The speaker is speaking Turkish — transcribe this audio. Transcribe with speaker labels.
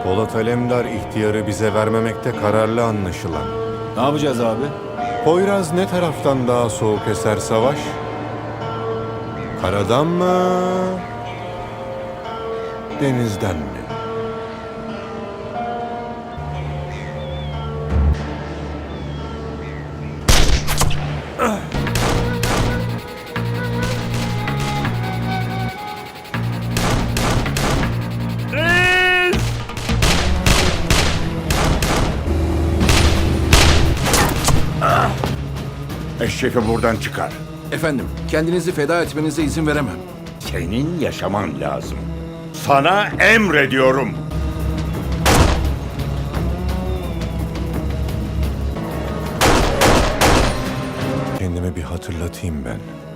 Speaker 1: Polat Alemdar ihtiyarı bize vermemekte kararlı anlaşılan.
Speaker 2: Ne yapacağız abi?
Speaker 1: Poyraz ne taraftan daha soğuk eser savaş? Karadan mı? Denizden mi?
Speaker 3: Eşefi buradan çıkar.
Speaker 4: Efendim, kendinizi feda etmenize izin veremem.
Speaker 3: Senin yaşaman lazım. Sana emrediyorum.
Speaker 1: Kendime bir hatırlatayım ben.